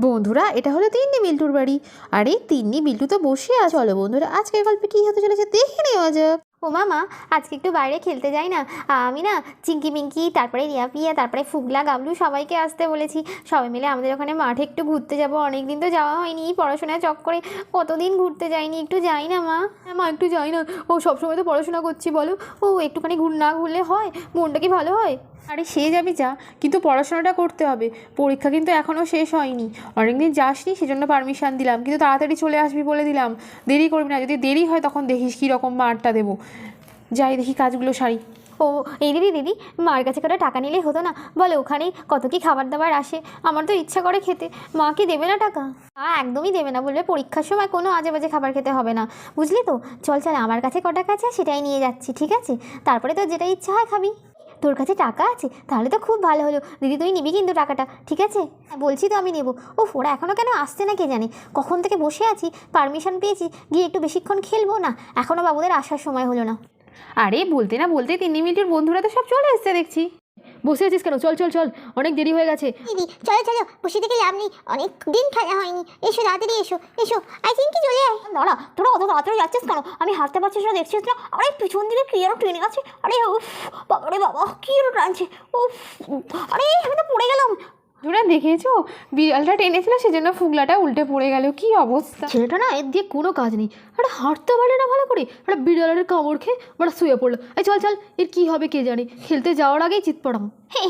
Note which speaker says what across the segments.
Speaker 1: বন্ধুরা, এটা হলো তিন্নি বিল্টুর বাড়ি। আর এই তিন্নি বিল্টু তো বসে আছে। চলো বন্ধুরা, আজকের গল্পে কী হতে চলেছে দেখে নেওয়া যাক।
Speaker 2: ও মামা, আজকে একটু বাইরে খেলতে যাই না? আমি না চিঙ্কি মিঙ্কি, তারপরে রিয়া পিয়া, তারপরে ফুগলা গাবলু সবাইকে আসতে বলেছি। সবাই মিলে আমাদের ওখানে মাঠে একটু ঘুরতে যাব। অনেক দিন তো যাওয়া হয়নি, পড়াশোনার চক্করে কতদিন ঘুরতে যাইনি। একটু যাই না মা?
Speaker 1: মা একটু যাই না, ও সবসময় তো পড়াশোনা করছি বলো। ও একটুখানি না ঘুরলে হয়? মনটা কি ভালো হয়? আরে সে যাবি যা, কিন্তু পড়াশোনাটা করতে হবে। পরীক্ষা কিন্তু এখনও শেষ হয়নি। অনেকদিন যাসনি, সেজন্য পারমিশন দিলাম, কিন্তু তাড়াতাড়ি চলে আসবি বলে দিলাম। দেরি করবি না, যদি দেরি হয় তখন দেখিস কীরকম মারটা দেবো। যাই দেখি কাজগুলো সারি।
Speaker 2: ও এই দিদি, মার কাছে করে টাকা নিলেই হতো না? বলে ওখানে কত কি খাবার দাবার আসে, আমার তো ইচ্ছা করে খেতে। মা কি দেবে না টাকা? একদমই দেবে না, বলবে পরীক্ষার সময় কোনো আজে বাজে খাবার খেতে হবে না, বুঝলি তো? চল চল, আমার কাছে ক টাকা আছে সেটাই নিয়ে যাচ্ছি, ঠিক আছে? তারপরে তোর যেটা ইচ্ছা হয় খাবি। তোর কাছে টাকা আছে? তাহলে তো খুব ভালো হলো দিদি, তুই নিবি কিন্তু টাকাটা, ঠিক আছে? বলছি তো আমি নেবো। ও ওরা এখনও কেন আসছে না কে জানে? কখন থেকে বসে আছি, পারমিশন পেয়েছি, গিয়ে একটু বেশিক্ষণ খেলবো না? এখনও বাবুদের আসার সময় হলো না।
Speaker 1: আরে বলতে না বলতে তিন্নি মিনিটের বন্ধুরা তো সব চলে এসছে দেখছি। বসে আছিস কেন? চল চল চল, অনেক দেরি হয়ে গেছে।
Speaker 3: দিদি চলো চলো, বসে থেকে লাভ নেই, অনেক দিন খেলা হয়নি। এসো তাড়াতাড়ি এসো এসো, আই থিঙ্ক চলে আয়।
Speaker 2: দাঁড়া, তোরা অত তাড়াতাড়ি যাচ্ছিস কেন? আমি হাঁটতে পারছিস না দেখছিস না? আরে পিছন দিকে কি আরো ট্রেনে আছে। আরে উফ বাবারে বাবা, কি আরো টানছে। উফ, আরে আমি তো পড়ে গেলাম।
Speaker 1: তোরা দেখেছো, বিড়ালটা টেনেছিল সেজন্য ফুগলাটা উল্টে পড়ে গেল। কি অবস্থা! ছেলেটা না, এর দিয়ে কোনো কাজ নেই। আরে হাঁটতে পারে না ভালো করে, আরে বিড়ালের কামড় খেয়ে ওরা শুয়ে পড়লো। এই চল চল, এর কি হবে কে জানে। খেলতে যাওয়ার আগেই চিৎ পড়াম।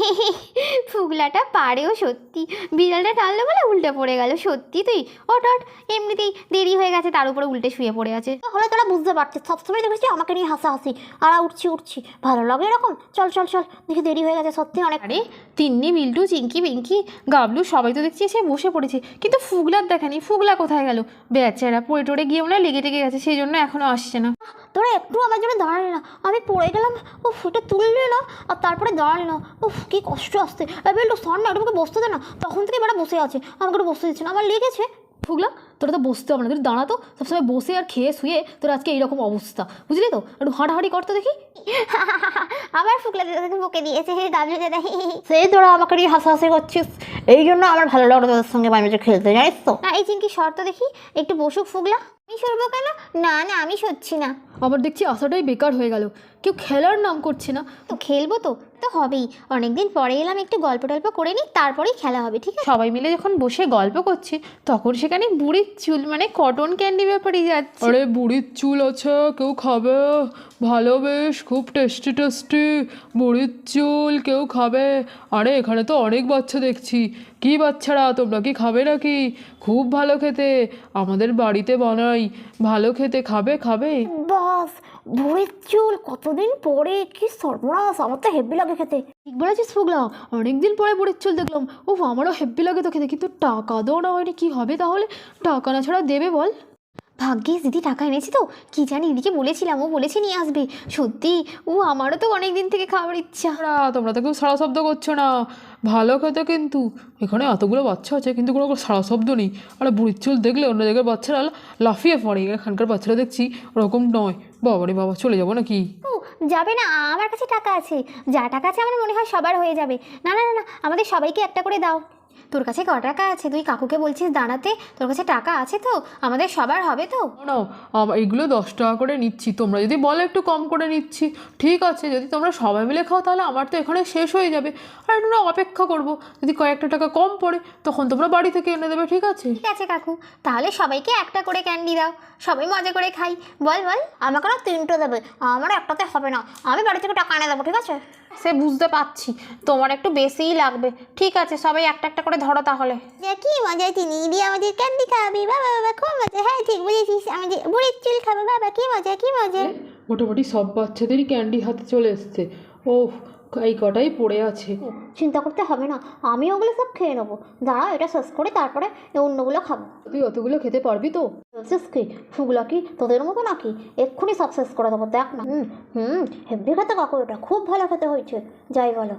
Speaker 2: ফুগলাটা পারেও সত্যি, বিড়ালটা টানলো বলে উল্টে পড়ে গেল। সত্যি তুই ওট, এমনিতেই দেরি হয়ে গেছে, তার উপরে উল্টে শুয়ে পড়ে আছে।
Speaker 3: তাহলে তোরা বুঝতে পারছিস, সবসময় দেখেছি আমাকে নিয়ে হাসাহাসি, আর উঠছি ভালো লাগে এরকম। চল চল চল, দেখি দেরি হয়ে গেছে সত্যি অনেক।
Speaker 1: আরে তিন্নি বিল্টু চিঙ্কি পিঙ্কি গাবলু সবাই তো দেখছি এসে বসে পড়েছে, কিন্তু ফুগলার দেখা নেই। ফুগলা কোথায় গেল? বেচারা পড়ে টড়ে গিয়ে মনে হয় লেগে টেগে গেছে, সেই জন্য এখনও আসছে না।
Speaker 3: তোরা একটু আমার জন্য দাঁড়ালে না, আমি পড়ে গেলাম। ও ফুটে তুললে না, আর তারপরে দাঁড়ালে না। উফ কি কষ্ট আসতে। এবার একটু সর না, একটু বসতে দে না। তখন থেকে এবার বসে আছে, আমাকে একটু বসতে দিচ্ছে না, আমার লেগেছে।
Speaker 1: ফুগলা, তোরা তো বসতে হবে না, তুই দাঁড়াতো। সবসময় বসে আর খেয়ে শুয়ে তোর আজকে এইরকম অবস্থা, বুঝলি তো? একটু হাঁটাহাঁটি করতে দেখি।
Speaker 3: আবার ফুকলা দিদাকে বকে দিয়েছে গাবলু দাদা। সেই তোরা আমাকে নিয়ে হাসাহাসি করছিস, এই জন্য আমার ভালো লাগলো তোদের সঙ্গে মাঝে খেলতে, জানিস তো?
Speaker 2: না এই চিঙ্কি শর্ত দেখি, একটু বসুক ফুগলা। আমি সরবো কেন? না না, আমি সরছি না।
Speaker 1: আবার দেখছি আসাটাই বেকার হয়ে গেল, কেউ খেলার নাম করছে না।
Speaker 2: তো খেলবো তো তো হবেই। অনেকদিন পরে এলাম, একটু গল্প টল্প করে নিই, তারপরেই খেলা হবে, ঠিক আছে?
Speaker 1: সবাই মিলে যখন বসে গল্প করছে, তখন সেখানে বুড়ির চুল মানে কটন ক্যান্ডি ব্যাপারে যাচ্ছে।
Speaker 4: আরে বুড়ির চুল আছে, কেউ খাবে? ভালো, বেশ খুব টেস্টি টেস্টি বুড়ির চুল, কেউ খাবে? আরে এখানে তো অনেক বাচ্চা দেখছি। কি বাচ্চারা, তোমরা কি খাবে নাকি? খুব ভালো খেতে, আমাদের বাড়িতে বানাই। ভালো খেতে, খাবে খাবে?
Speaker 3: বাস, বুড়ির চুল কতদিন পরে, কি সর্বনাশ, আমার তো হেভি লাগে খেতে।
Speaker 1: ঠিক বলেছিস ফুগলা, অনেকদিন পরে বুড়ির চুল দেখলাম। ও আমারও হেব্বি লাগে তো খেতে, কিন্তু টাকা দেওয়া না হয়নি। কী হবে তাহলে? টাকা না ছাড়া দেবে বল?
Speaker 2: ভাগ্যিস দিদি টাকা এনেছি তো, কি জানি দিদিকে বলেছিলাম, ও বলেছে নিয়ে আসবে। সত্যি ও আমারও তো অনেক দিন থেকে খাওয়ার ইচ্ছা।
Speaker 4: তোমরা তো কেউ সারা শব্দ করছো না। ভালো খেতে কিন্তু। এখানে এতগুলো বাচ্চা আছে কিন্তু কোনো সারা শব্দ নেই। আর বুড়ির চুল দেখলে অন্য জায়গায় বাচ্চারা লাফিয়ে পড়ে, এখানকার বাচ্চারা দেখছি ওরকম নয়। বাবারে বাবা, চলে যাবো নাকি?
Speaker 2: ও যাবে না, আমার কাছে টাকা আছে। যা টাকা আছে আমার মনে হয় সবার হয়ে যাবে। না না না না, আমাদের সবাইকে একটা করে দাও। তোর কাছে ক টাকা আছে? তুই কাকুকে বলছিস দাঁড়াতে, তোর কাছে টাকা আছে তো? আমাদের সবার হবে তো?
Speaker 4: না, এইগুলো 10 টাকা করে নিচ্ছি। তোমরা যদি বলো একটু কম করে নিচ্ছি, ঠিক আছে। যদি তোমরা সবাই মিলে খাও তাহলে আমার তো এখানে শেষ হয়ে যাবে। আর একটু অপেক্ষা করবো, যদি কয়েকটা টাকা কম পড়ে তখন তোমরা বাড়ি থেকে এনে দেবে, ঠিক আছে?
Speaker 2: ঠিক আছে কাকু, তাহলে সবাইকে একটা করে ক্যান্ডি দাও, সবাই মজা করে খাই। বল বল।
Speaker 3: আমাকে না 3টে দেবে, আমার একটাতে হবে না, আমি বাড়ি থেকে টাকা এনে দেবো, ঠিক আছে?
Speaker 1: সে বুঝতে পারছি, তোমার একটু বেশিই লাগবে। ঠিক আছে, সবাই একটা একটা করে ধরো তাহলে।
Speaker 3: কি মজা, চিনি দিয়ে আমাদের ক্যান্ডি খাবি, বাবা বাবা খুব মজা। হ্যাঁ ঠিক বুঝেছিস, আমাদের বুড়ির চুল খাবো, বাবা কি মজা কি মজা।
Speaker 4: মোটামুটি সব বাচ্চাদেরই ক্যান্ডি হাতে চলে এসছে। ও এই কটাই পড়ে আছে।
Speaker 3: চিন্তা করতে হবে না, আমি ওগুলো সব খেয়ে নেবো। দাঁড়া, এটা শেষ করে তারপরে অন্যগুলো খাবো।
Speaker 4: তুই অতগুলো খেতে পারবি তো?
Speaker 3: বলছিস কি, ফুগলা কি তোদের মতো নাকি? এক্ষুনি সব শেষ করে দেবো, দেখ না। হেভি খেতে কাকু, এটা খুব ভালো খেতে হয়েছে, যাই বলো।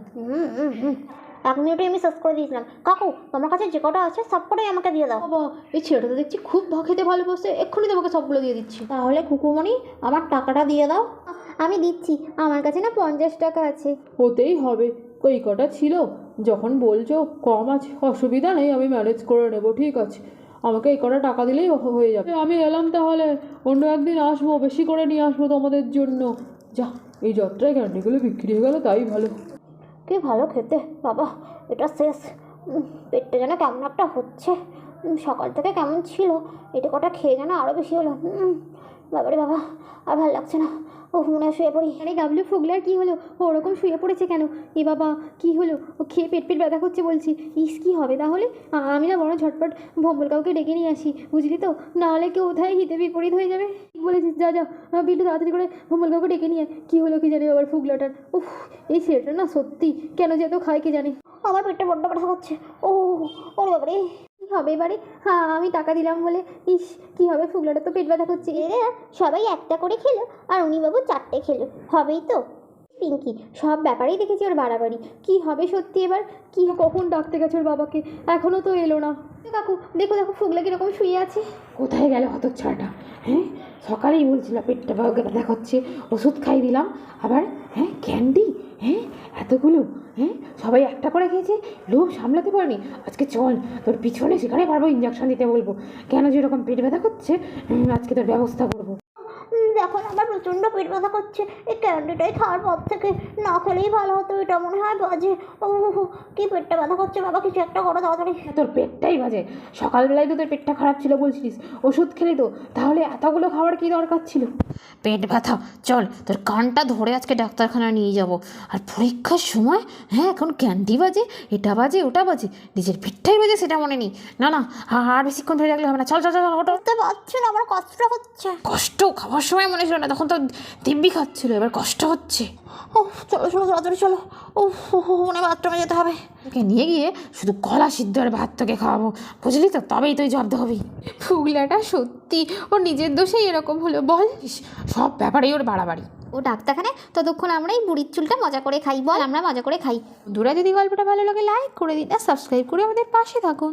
Speaker 3: 1 মিনিটে আমি শেষ করে দিয়েছিলাম। কাকু তোমার কাছে যে কটা আছে সব কটাই আমাকে দিয়ে দাও।
Speaker 1: বাবা, এই ছেলেটা তো দেখছি খুব খেতে ভালোবাসে, এক্ষুনি তোমাকে সবগুলো দিয়ে দিচ্ছি।
Speaker 3: তাহলে কুকুমণি আমার টাকাটা দিয়ে দাও।
Speaker 2: আমি দিচ্ছি, আমার কাছে না 50 টাকা আছে।
Speaker 4: হতেই হবে, ওই কটা ছিল যখন বলছো কম আছে অসুবিধা নেই, আমি ম্যানেজ করে নেবো, ঠিক আছে, আমাকে এই কটা টাকা দিলেই হয়ে যাবে। আমি এলাম তাহলে, অন্য একদিন আসবো, বেশি করে নিয়ে আসবো তোমাদের জন্য। যা, এই যাত্রায় ক্যান্ডিগুলো বিক্রি হয়ে গেলো তাই ভালো।
Speaker 3: কি ভালো খেতে বাবা, এটা শেষ। পেটটা যেন কেমন একটা হচ্ছে। সকাল থেকে কেমন ছিল, এটা কটা খেয়ে যেন আরও বেশি হলো। বাবারে বাবা, আর ভালো লাগছে না। ও মনে হয় শুয়ে পড়ি।
Speaker 2: আরে গাবলু, ফুগলার কি হলো? ও ওরকম শুয়ে পড়েছে কেন? এ বাবা, কি হলো? ও খেয়ে পেট ব্যথা করছে বলছি। ইস, কি হবে তাহলে? আমি না বড় ঝটপট ভম্বল কাউকে ডেকে নিয়ে আসি, বুঝলি তো, নাহলে কেউ কোথায় হিতে বিপরীত হয়ে যাবে। ঠিক বলেছিস, যা যা বিট্টু, তাড়াতাড়ি করে ভম্বল কাউকে ডেকে নিয়ে কি হলো কি জানি আবার ফুগলাটার। উফ, এই ছেলেটা না সত্যি কেন যে এত খায় কি জানি।
Speaker 3: আমার পেটটা বড্ড ব্যথা করছে। ও ওরে বাবারে,
Speaker 2: কী হবে এবারে? হ্যাঁ, আমি টাকা দিলাম বলে। ইস, কী হবে? ফুগলাটা তো পেট ব্যথা করছে।
Speaker 3: এরা সবাই একটা করে খেলো আর উনি বাবু 4টে খেলো, হবেই তো।
Speaker 2: পিঙ্কি, সব ব্যাপারেই দেখেছি ওর বাড়াবাড়ি। কি হবে সত্যি এবার? কি কখন ডাকতে গেছে ওর বাবাকে, এখনও তো এলো না। কাকু, দেখো দেখো, ফুগলা কীরকম শুয়ে আছে।
Speaker 1: কোথায় গেল হতচ্ছাড়াটা? হ্যাঁ, সকালেই বলছিল পেটটা ব্যথা করছে, ওষুধ খাই দিলাম, আবার হ্যাঁ ক্যান্ডি, হ্যাঁ এতগুলো, হ্যাঁ সবাই একটা করে খেয়েছে, লোভ সামলাতে পারেনি। আজকে চল, তোর পিছনে সেখানে পারবো ইঞ্জেকশন দিতে বলবো, কেন যে এরকম পেট ব্যথা করছে, আজকে তোর ব্যবস্থা করবো।
Speaker 3: এখন আমার প্রচণ্ড পেট ব্যথা করছে। এই ক্যান্ডিটাই খাওয়ার পর থেকে না খেলেই ভালো হতো, এটা মনে হয় বাজে। ও কি পেটটা ব্যথা করছে বাবা, কিছু একটা করো তাড়াতাড়ি।
Speaker 1: তোর পেটটাই বাজে, সকালবেলায় তো তোর পেটটা খারাপ ছিল বলছিস, ওষুধ খেলি তো, তাহলে এতগুলো খাওয়ার কী দরকার ছিল? পেট ব্যথা, চল তোর কানটা ধরে আজকে ডাক্তারখানা নিয়ে যাব। আর পরীক্ষার সময় হ্যাঁ এখন ক্যান্ডি বাজে, এটা বাজে ওটা বাজে, নিজের পেটটাই বাজে সেটা মনে নেই। না না, আর বেশিক্ষণ ধরে রাখলে হবে না, চল চল চল ওটা।
Speaker 3: বুঝতে পারছি না, আমার কষ্ট হচ্ছে।
Speaker 1: কষ্ট খাওয়ার সময় মনে ছিল না, তখন তো দিব্যি খাচ্ছিল, এবার কষ্ট হচ্ছে।
Speaker 3: ও চলো চলো তাড়াতাড়ি চলো। ও মনে বাথরুমে যেতে হবে।
Speaker 1: তোকে নিয়ে গিয়ে শুধু কলা সিদ্ধ আর ভাত তোকে খাওয়াবো, বুঝলি তো, তবেই তুই জব্দ হবি।
Speaker 2: ফুগলাটা সত্যি ওর নিজের দোষেই এরকম হলো বল।
Speaker 1: সব ব্যাপারেই ওর বাড়াবাড়ি।
Speaker 2: ও ডাক্তারখানায় ততক্ষণ আমরা এই বুড়ির চুলটা মজা করে খাই, বল আমরা মজা করে খাই। বন্ধুরা, যদি গল্পটা ভালো লাগে লাইক করে দিন আর সাবস্ক্রাইব করে আমাদের পাশে থাকুন।